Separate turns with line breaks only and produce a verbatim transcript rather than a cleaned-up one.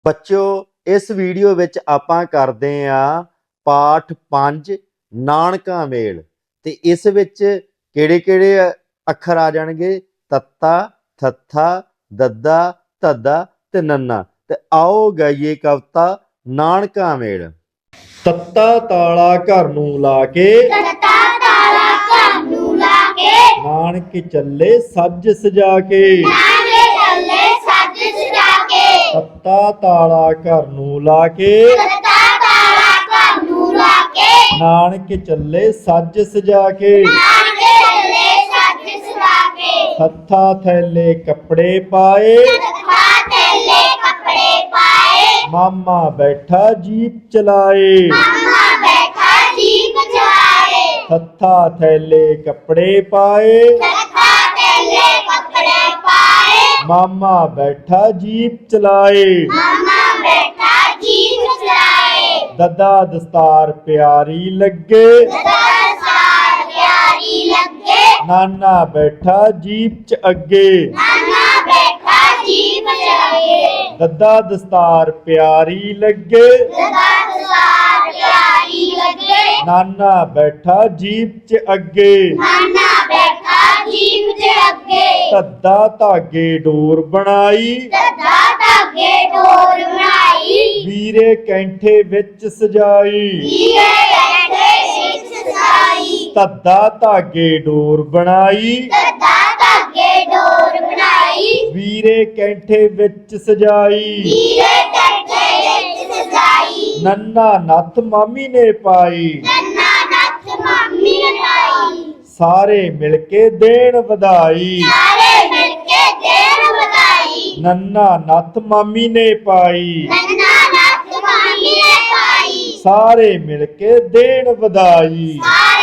ਬੱਚਿਓ ਇਸ ਵੀਡੀਓ ਵਿੱਚ ਆਪਾਂ ਕਰਦੇ ਆ ਪਾਠ ਪੰਜ ਨਾਨਕਾ ਮੇਲ ਤੇ ਇਸ ਵਿੱਚ ਕਿਹੜੇ ਕਿਹੜੇ ਅੱਖਰ ਆ ਜਾਣਗੇ ਤੱਤਾ ਥੱਥਾ ਦੱਦਾ ਧੱਦਾ ਤੇ ਨੰਨਾ। ਤੇ ਆਓ ਗਾਈਏ ਕਵਿਤਾ ਨਾਨਕਾ ਮੇਲ। ਤੱਤਾ ਤਾਲਾ ਘਰ ਨੂੰ ਲਾ ਕੇ
ਤੱਤਾ ਤਾਲਾ ਘਰ ਨੂੰ ਲਾ ਕੇ
ਨਾਨਕ ਚੱਲੇ ਸੱਜ ਸਜਾ ਕੇ
ਨਾਨਕੇ ਚੱਲੇ ਸੱਜ ਸਜਾ ਕੇ
ਤੱਤਾ ਤਾਲਾ ਘਰ ਨੂੰ ਲਾ ਕੇ
ਤੱਤਾ ਤਾਲਾ ਘਰ ਨੂੰ ਲਾ ਕੇ
ਨਾਨਕ ਚੱਲੇ ਸੱਜ ਸਜਾ ਕੇ
ਨਾਨਕੇ ਚੱਲੇ ਸੱਜ ਸਜਾ ਕੇ
ਹੱਥਾਂ ਥੈਲੇ ਕੱਪੜੇ ਪਾਏ
ਤੱਤਾ ਥੈਲੇ ਕੱਪੜੇ ਪਾਏ
ਮਾਮਾ ਬੈਠਾ ਜੀਪ ਚਲਾਏ
ਮਾਮਾ ਬੈਠਾ ਜੀਪ ਚਲਾਏ
ਹੱਥਾਂ ਥੈਲੇ ਕੱਪੜੇ ਪਾਏ
ਤੱਤਾ ਥੈਲੇ ਕੱਪੜੇ ਪਾਏ
ਮਾਮਾ ਬੈਠਾ ਜੀਪ ਚਲਾਏ
ਮਾਮਾ ਬੈਠਾ ਜੀਪ ਚਲਾਏ
ਦੱਦਾ ਦਸਤਾਰ ਪਿਆਰੀ ਲੱਗੇ
ਦਸ ਸਾਲ ਪਿਆਰੀ ਲੱਗੇ
ਨਾਨਾ ਬੈਠਾ ਜੀਪ ਚ ਅੱਗੇ
ਨਾਨਾ ਬੈਠਾ ਜੀਪ ਚਲਾਏ
ਦੱਦਾ ਦਸਤਾਰ ਪਿਆਰੀ ਲੱਗੇ
ਦਸ ਸਾਲ ਪਿਆਰੀ ਲੱਗੇ
ਨਾਨਾ ਬੈਠਾ ਜੀਪ ਚ ਅੱਗੇ
ਨਾਨਾ ਬੈਠਾ ਜੀਪ ਚ ਅੱਗੇ
ਧੱਦਾ ਧਾਗੇ ਡੋਰ ਬਣਾਈ
ਦੱਦਾ ਧਾਗੇ ਡੋਰ ਬਣਾਈ
ਵੀਰੇ ਕੈਂਠੇ ਵਿੱਚ ਸਜਾਈ
ਵੀਰੇ ਬੈਠੇ ਸਿੱਖ ਸਜਾਈ
ਧੱਦਾ ਧਾਗੇ ਡੋਰ ਬਣਾਈ
ਦੱਦਾ ਧਾਗੇ ਡੋਰ ਬਣਾਈ
ਵੀਰੇ ਕੈਂਠੇ ਵਿੱਚ ਸਜਾਈ
ਵੀਰੇ ਬੈਠੇ ਸਿੱਖ ਸਜਾਈ
ਨੰਨਾ ਨੱਥ ਮਾਮੀ ਨੇ ਪਾਈ
ਨੰਨਾ ਨੱਥ ਮੰਮੀ ਲਾਈ
ਸਾਰੇ ਮਿਲ ਕੇ ਦੇਣ ਵਧਾਈ
ਸਾਰੇ ਮਿਲ ਕੇ ਦੇਣ ਵਧਾਈ
ਨੰਨਾ ਨੱਥ ਮਾਮੀ ਨੇ ਪਾਈ
ਨੰਨਾ ਨੱਥ ਮੰਮੀ ਨੇ ਪਾਈ
ਸਾਰੇ ਮਿਲ ਕੇ ਦੇਣ ਵਧਾਈ
ਸਾਰੇ